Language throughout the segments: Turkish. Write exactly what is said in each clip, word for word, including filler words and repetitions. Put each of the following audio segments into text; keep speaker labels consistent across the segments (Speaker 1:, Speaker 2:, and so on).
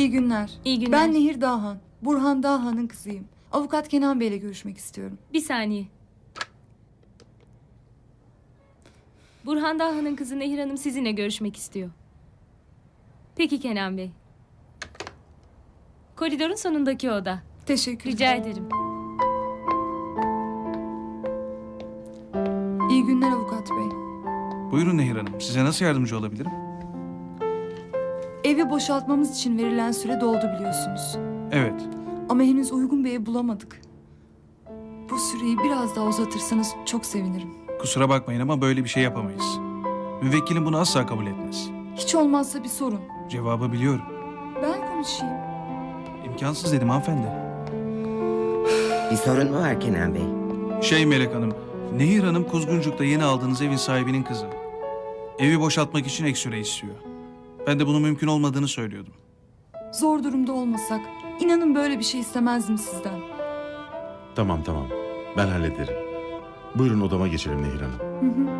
Speaker 1: İyi günler.
Speaker 2: İyi günler.
Speaker 1: Ben Nehir Dağhan. Burhan Dağhan'ın kızıyım. Avukat Kenan Bey'le görüşmek istiyorum.
Speaker 2: Bir saniye. Burhan Dağhan'ın kızı Nehir Hanım sizinle görüşmek istiyor. Peki Kenan Bey. Koridorun sonundaki oda.
Speaker 1: Teşekkür
Speaker 2: Rica
Speaker 1: ederim.
Speaker 2: ederim.
Speaker 1: İyi günler avukat bey.
Speaker 3: Buyurun Nehir Hanım. Size nasıl yardımcı olabilirim?
Speaker 1: Evi boşaltmamız için verilen süre doldu biliyorsunuz.
Speaker 3: Evet.
Speaker 1: Ama henüz uygun bir ev bulamadık. Bu süreyi biraz daha uzatırsanız çok sevinirim.
Speaker 3: Kusura bakmayın ama böyle bir şey yapamayız. Müvekkilim bunu asla kabul etmez.
Speaker 1: Hiç olmazsa bir sorun.
Speaker 3: Cevabı biliyorum.
Speaker 1: Ben konuşayım.
Speaker 3: İmkansız dedim hanımefendi.
Speaker 4: Bir sorun mu var Kenan Bey?
Speaker 3: Şey Melek Hanım, Nehir Hanım Kuzguncuk'ta yeni aldığınız evin sahibinin kızı. Evi boşaltmak için ek süre istiyor. Ben de bunun mümkün olmadığını söylüyordum.
Speaker 1: Zor durumda olmasak, inanın böyle bir şey istemezdim sizden.
Speaker 5: Tamam tamam. Ben hallederim. Buyurun odama geçelim Nehir Hanım.
Speaker 1: Hı hı.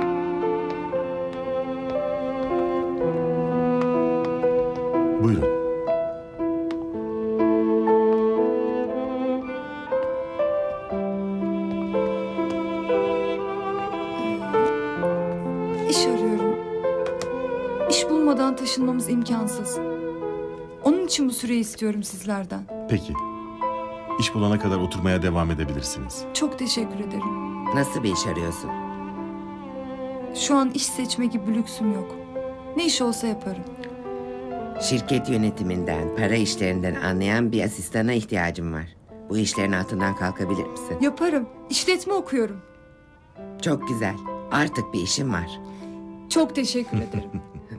Speaker 5: Buyurun.
Speaker 1: İş arıyorum. İş bulmadan taşınmamız imkansız. Onun için bu süreyi istiyorum sizlerden.
Speaker 5: Peki. İş bulana kadar oturmaya devam edebilirsiniz.
Speaker 1: Çok teşekkür ederim.
Speaker 4: Nasıl bir iş arıyorsun?
Speaker 1: Şu an iş seçme gibi bir lüksüm yok. Ne iş olsa yaparım.
Speaker 4: Şirket yönetiminden, para işlerinden anlayan bir asistana ihtiyacım var. Bu işlerin altından kalkabilir misin?
Speaker 1: Yaparım. İşletme okuyorum.
Speaker 4: Çok güzel. Artık bir işim var.
Speaker 1: Çok teşekkür ederim.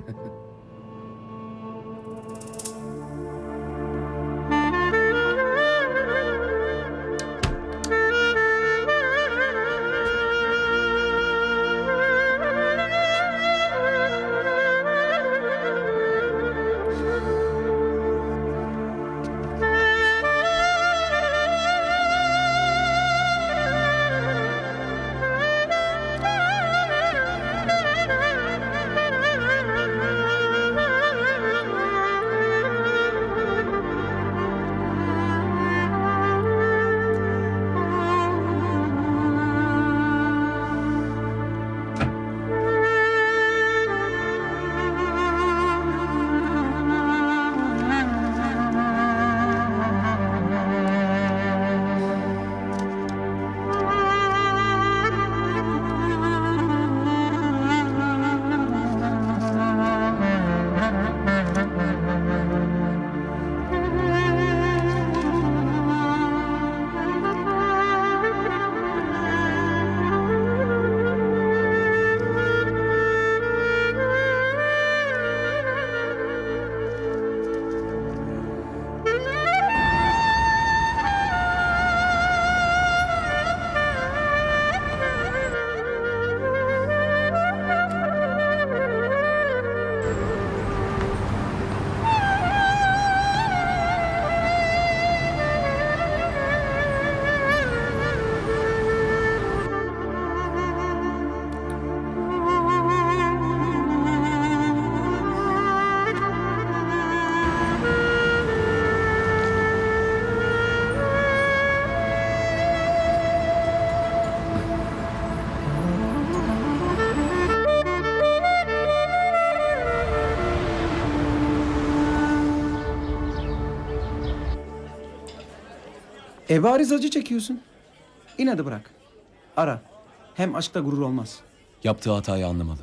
Speaker 6: E bariz acı çekiyorsun. İnadı bırak. Ara. Hem aşkta gurur olmaz.
Speaker 7: Yaptığı hatayı anlamalı.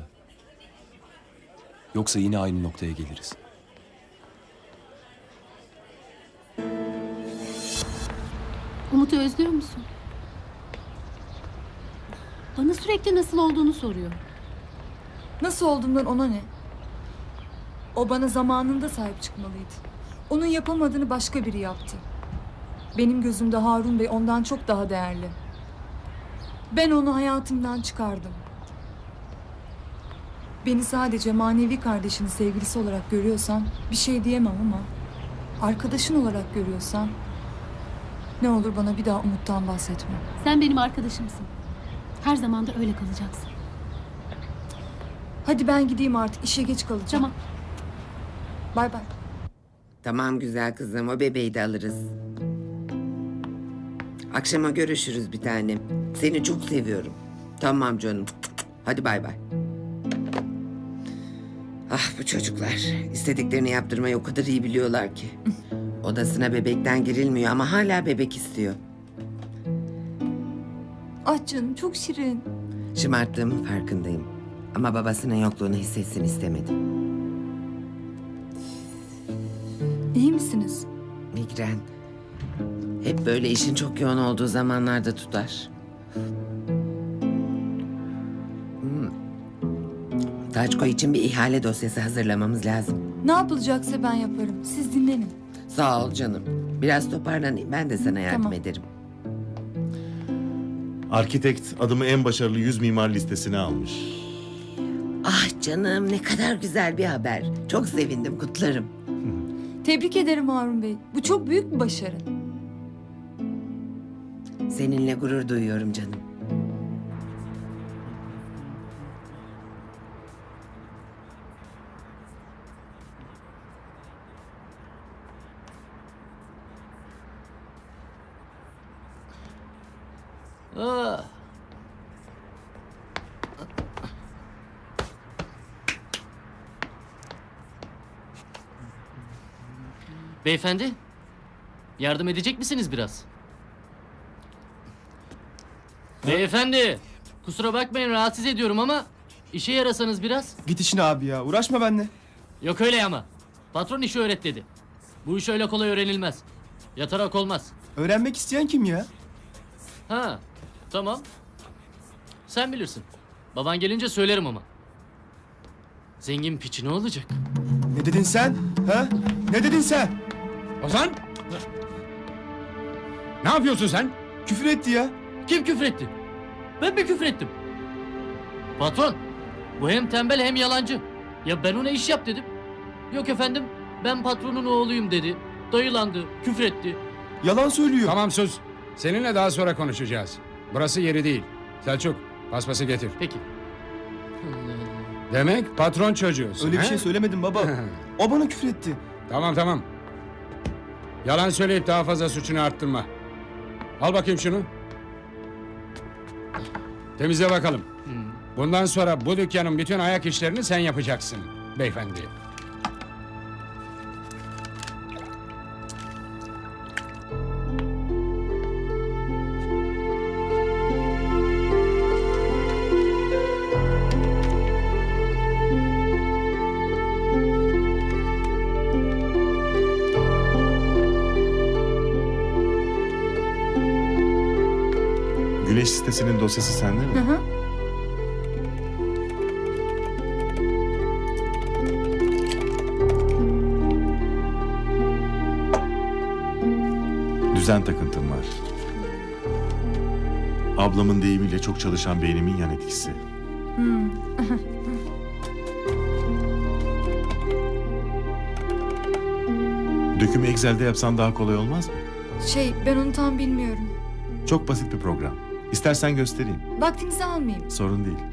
Speaker 7: Yoksa yine aynı noktaya geliriz.
Speaker 8: Umut'u özlüyor musun? Bana sürekli nasıl olduğunu soruyor.
Speaker 1: Nasıl olduğumdan ona ne? O bana zamanında sahip çıkmalıydı. Onun yapamadığını başka biri yaptı. Benim gözümde Harun Bey ondan çok daha değerli. Ben onu hayatımdan çıkardım. Beni sadece manevi kardeşinin sevgilisi olarak görüyorsan bir şey diyemem ama arkadaşın olarak görüyorsan ne olur bana bir daha Umut'tan bahsetme.
Speaker 8: Sen benim arkadaşımsın. Her zaman da öyle kalacaksın.
Speaker 1: Hadi ben gideyim artık, işe geç kalacağım.
Speaker 8: Tamam.
Speaker 1: Bay bay.
Speaker 4: Tamam güzel kızım, o bebeği de alırız. Akşama görüşürüz bir tanem. Seni çok seviyorum. Tamam canım. Hadi bay bay. Ah bu çocuklar. İstediklerini yaptırmayı o kadar iyi biliyorlar ki. Odasına bebekten girilmiyor ama hala bebek istiyor.
Speaker 1: Ah canım çok şirin.
Speaker 4: Şımarttığımın farkındayım. Ama babasının yokluğunu hissetsin istemedim.
Speaker 1: İyi misiniz?
Speaker 4: Migren. Hep böyle işin çok yoğun olduğu zamanlarda tutar. Hmm. Taçko için bir ihale dosyası hazırlamamız lazım.
Speaker 1: Ne yapılacaksa ben yaparım. Siz dinlenin.
Speaker 4: Sağ ol canım. Biraz toparlanayım. Ben de sana yardım
Speaker 1: Tamam.
Speaker 4: ederim.
Speaker 5: Arkitekt adımı en başarılı yüz mimar listesine almış.
Speaker 4: Ah canım ne kadar güzel bir haber. Çok sevindim, kutlarım.
Speaker 1: Tebrik ederim Harun Bey. Bu çok büyük bir başarı.
Speaker 4: Seninle gurur duyuyorum canım.
Speaker 9: Beyefendi, yardım edecek misiniz biraz? Beyefendi, kusura bakmayın rahatsız ediyorum ama işe yarasanız biraz.
Speaker 6: Git işine abi ya. Uğraşma benimle.
Speaker 9: Yok öyle ama. Patron işi öğret dedi. Bu iş öyle kolay öğrenilmez. Yatarak olmaz.
Speaker 6: Öğrenmek isteyen kim ya?
Speaker 9: Ha, tamam. Sen bilirsin. Baban gelince söylerim ama. Zengin piçi ne olacak?
Speaker 6: Ne dedin sen? Ha? Ne dedin sen?
Speaker 10: Ozan! Ne yapıyorsun sen?
Speaker 6: Küfür etti ya.
Speaker 9: Kim küfretti? Ben mi küfrettim? Patron, bu hem tembel hem yalancı. Ya ben ona iş yap dedim. Yok efendim, ben patronun oğluyum dedi. Dayılandı, küfretti.
Speaker 6: Yalan söylüyor.
Speaker 10: Tamam sus. Seninle daha sonra konuşacağız. Burası yeri değil. Selçuk, paspası getir.
Speaker 9: Peki.
Speaker 10: Demek patron çocuğusun.
Speaker 6: Öyle bir
Speaker 10: he?
Speaker 6: şey söylemedim baba. O bana küfür etti.
Speaker 10: Tamam tamam. Yalan söyleyip daha fazla suçunu arttırma. Al bakayım şunu. Temizle bakalım. Bundan sonra bu dükkanın bütün ayak işlerini sen yapacaksın beyefendi.
Speaker 5: Güneş sitesinin dosyası sende mi?
Speaker 1: Hı hı.
Speaker 5: Düzen takıntım var. Ablamın deyimiyle çok çalışan beynimin yan etkisi. Dökümü Excel'de yapsan daha kolay olmaz mı?
Speaker 1: Şey ben onu tam bilmiyorum.
Speaker 5: Çok basit bir program. İstersen göstereyim.
Speaker 1: Vaktinizi almayayım.
Speaker 5: Sorun değil.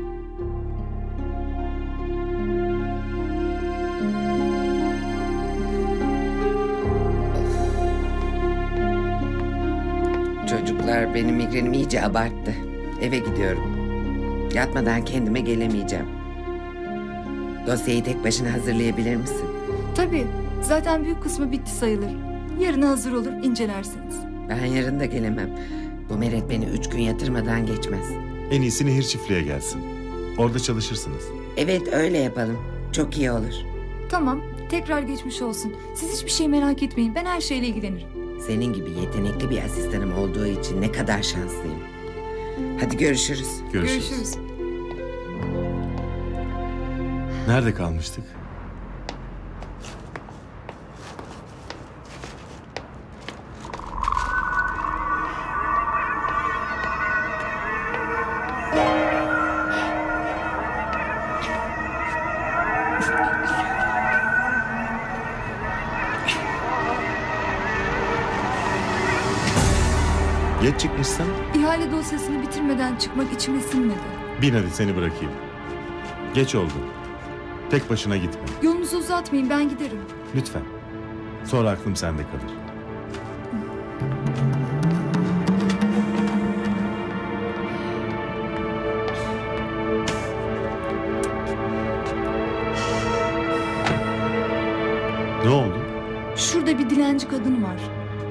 Speaker 4: Çocuklar benim migrenim iyice abarttı. Eve gidiyorum. Yatmadan kendime gelemeyeceğim. Dosyayı tek başına hazırlayabilir misin?
Speaker 1: Tabii. Zaten büyük kısmı bitti sayılır. Yarına hazır olur incelersiniz.
Speaker 4: Ben yarın da gelemem. Bu meret beni üç gün yatırmadan geçmez.
Speaker 5: En iyisi Nehir Çiftliğe gelsin. Orada çalışırsınız.
Speaker 4: Evet öyle yapalım. Çok iyi olur.
Speaker 1: Tamam. Tekrar geçmiş olsun. Siz hiçbir şey merak etmeyin. Ben her şeyle ilgilenirim.
Speaker 4: Senin gibi yetenekli bir asistanım olduğu için ne kadar şanslıyım. Hadi görüşürüz.
Speaker 5: Görüşürüz.
Speaker 1: Görüşürüz.
Speaker 5: Nerede kalmıştık? Geç çıkmışsın.
Speaker 1: İhale dosyasını bitirmeden çıkmak içime sinmedi.
Speaker 5: Bin hadi seni bırakayım. Geç oldu. Tek başına gitme.
Speaker 1: Yolunuzu uzatmayın ben giderim.
Speaker 5: Lütfen. Sonra aklım sende kalır. Ne oldu?
Speaker 1: Şurada bir dilenci kadın var.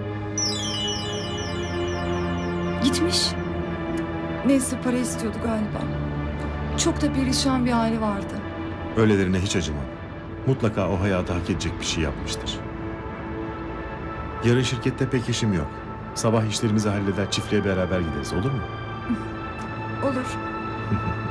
Speaker 1: Gitmiş. Neyse para istiyordu galiba. Çok da perişan bir hali vardı.
Speaker 5: Öylelerine hiç acımam. Mutlaka o hayata hak edecek bir şey yapmıştır. Yarın şirkette pek işim yok. Sabah işlerimizi halleder, çiftliğe beraber gideriz, olur mu?
Speaker 1: Olur.